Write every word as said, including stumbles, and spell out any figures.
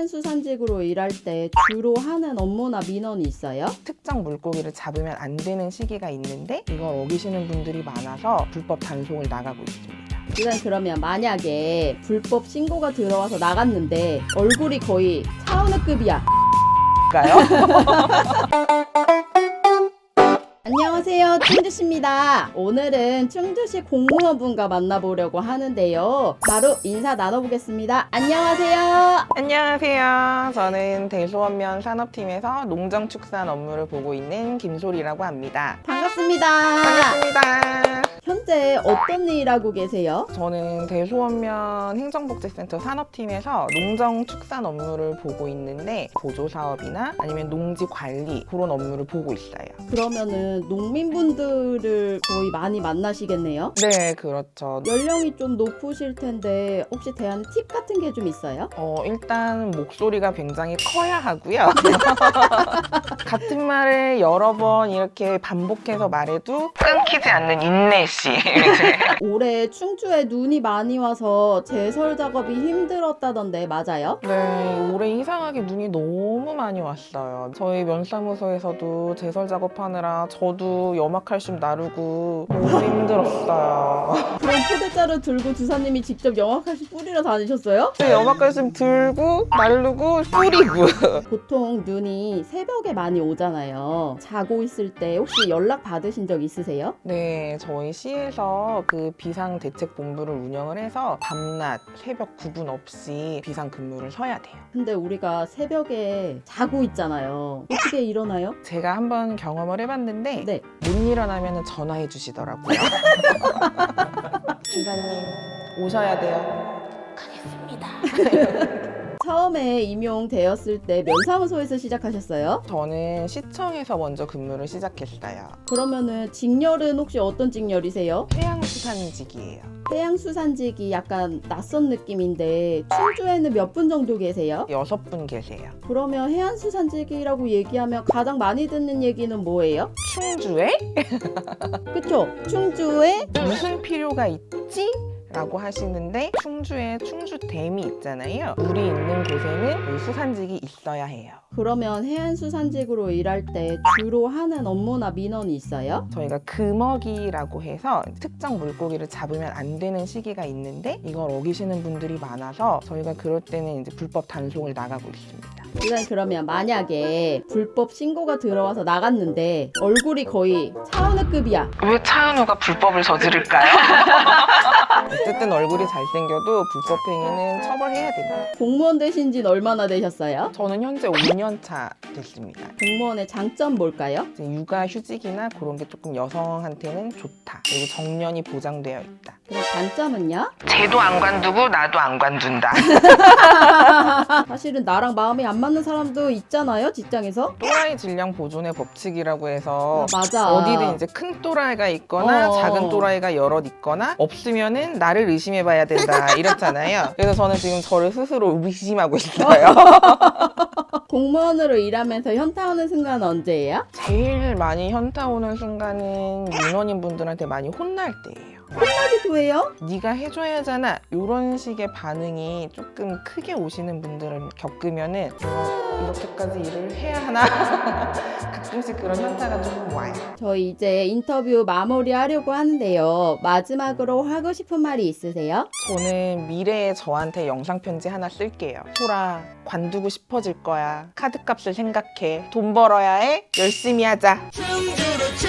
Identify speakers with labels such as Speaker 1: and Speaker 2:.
Speaker 1: 해안수산직으로 일할 때 주로 하는 업무나 민원이 있어요?
Speaker 2: 특정 물고기를 잡으면 안 되는 시기가 있는데 이걸 어기시는 분들이 많아서 불법 단속을 나가고 있습니다.
Speaker 1: 일단 그러면 만약에 불법 신고가 들어와서 나갔는데 얼굴이 거의 차은우급이야.
Speaker 2: 가요?
Speaker 1: 안녕하세요, 충주시입니다. 오늘은 충주시 공무원분과 만나보려고 하는데요. 바로 인사 나눠보겠습니다. 안녕하세요.
Speaker 2: 안녕하세요. 저는 대소원면 산업팀에서 농정축산 업무를 보고 있는 김소리라고 합니다.
Speaker 1: 반갑습니다.
Speaker 2: 반갑습니다.
Speaker 1: 현재 어떤 일 하고 계세요?
Speaker 2: 저는 대소원면 행정복지센터 산업팀에서 농정축산 업무를 보고 있는데 보조사업이나 아니면 농지 관리 그런 업무를 보고 있어요.
Speaker 1: 그러면은 농민분들을 거의 많이 만나시겠네요?
Speaker 2: 네, 그렇죠.
Speaker 1: 연령이 좀 높으실 텐데 혹시 대한 팁 같은 게 좀 있어요?
Speaker 2: 어, 일단 목소리가 굉장히 커야 하고요. 같은 말을 여러 번 이렇게 반복해서 말해도 끊기지 않는 인내심.
Speaker 1: 올해 충주에 눈이 많이 와서 제설 작업이 힘들었다던데 맞아요?
Speaker 2: 네, 올해 이상하게 눈이 너무 많이 왔어요. 저희 면사무소에서도 제설 작업하느라 저도 염화칼슘 나르고 너무 힘들었어요.
Speaker 1: 그럼 포대자루 들고 주사님이 직접 영화칼슘 뿌리러 다니셨어요?
Speaker 2: 네, 염화칼슘 들고 나르고 뿌리고.
Speaker 1: 보통 눈이 새벽에 많이 오잖아요. 자고 있을 때 혹시 연락 받으신 적 있으세요?
Speaker 2: 네, 저희 시에서 그 비상대책본부를 운영을 해서 밤낮, 새벽 구분 없이 비상근무를 서야 돼요.
Speaker 1: 근데 우리가 새벽에 자고 있잖아요. 어떻게 일어나요?
Speaker 2: 제가 한번 경험을 해봤는데
Speaker 1: 네.
Speaker 2: 못 일어나면 전화해 주시더라고요. 주사님 오셔야 돼요. 가겠습니다.
Speaker 1: 처음에 임용되었을 때 면사무소에서 시작하셨어요?
Speaker 2: 저는 시청에서 먼저 근무를 시작했어요.
Speaker 1: 그러면은 직렬은 혹시 어떤 직렬이세요?
Speaker 2: 해양수산직이에요.
Speaker 1: 해양수산직이 약간 낯선 느낌인데 충주에는 몇 분 정도 계세요?
Speaker 2: 여섯 분 계세요.
Speaker 1: 그러면 해안수산직이라고 얘기하면 가장 많이 듣는 얘기는 뭐예요?
Speaker 2: 충주에
Speaker 1: 그쵸? 충주에
Speaker 2: 무슨 필요가 있지? 라고 하시는데 충주에 충주댐이 있잖아요. 물이 있는 곳에는 이 수산직이 있어야 해요.
Speaker 1: 그러면 해안수산직으로 일할 때 주로 하는 업무나 민원이 있어요?
Speaker 2: 저희가 금어기라고 해서 특정 물고기를 잡으면 안 되는 시기가 있는데 이걸 어기시는 분들이 많아서 저희가 그럴 때는 이제 불법 단속을 나가고 있습니다.
Speaker 1: 일단 그러면 만약에 불법 신고가 들어와서 나갔는데 얼굴이 거의 차은우급이야.
Speaker 2: 왜 차은우가 불법을 저지를까요? 어쨌든 얼굴이 잘생겨도 불법 행위는 처벌해야 됩니다.
Speaker 1: 공무원 되신 지는 얼마나 되셨어요?
Speaker 2: 저는 현재 오 년 차 됐습니다.
Speaker 1: 공무원의 장점 뭘까요?
Speaker 2: 이제 육아휴직이나 그런 게 조금 여성한테는 좋다. 그리고 정년이 보장되어 있다.
Speaker 1: 그럼 단점은요?
Speaker 2: 쟤도 안 관두고 나도 안 관둔다.
Speaker 1: 사실은 나랑 마음이 안 맞는 사람도 있잖아요, 직장에서.
Speaker 2: 또라이 질량 보존의 법칙이라고 해서
Speaker 1: 아, 맞아.
Speaker 2: 어디든 이제 큰 또라이가 있거나
Speaker 1: 어.
Speaker 2: 작은 또라이가 여럿 있거나 없으면은 나를 의심해봐야 된다 이렇잖아요. 그래서 저는 지금 저를 스스로 의심하고 있어요.
Speaker 1: 공무원으로 일하면서 현타 오는 순간은 언제예요?
Speaker 2: 제일 많이 현타 오는 순간은 민원인 분들한테 많이 혼날 때예요.
Speaker 1: 하기도 해요?
Speaker 2: 네가 해줘야 하잖아 이런 식의 반응이 조금 크게 오시는 분들을 겪으면은 어, 이렇게까지 일을 해야 하나 가끔씩 그런 현타가 조금 와요.
Speaker 1: 저희 이제 인터뷰 마무리하려고 하는데요. 마지막으로 하고 싶은 말이 있으세요?
Speaker 2: 저는 미래의 저한테 영상 편지 하나 쓸게요. 소라 관두고 싶어질 거야. 카드값을 생각해. 돈 벌어야 해. 열심히 하자.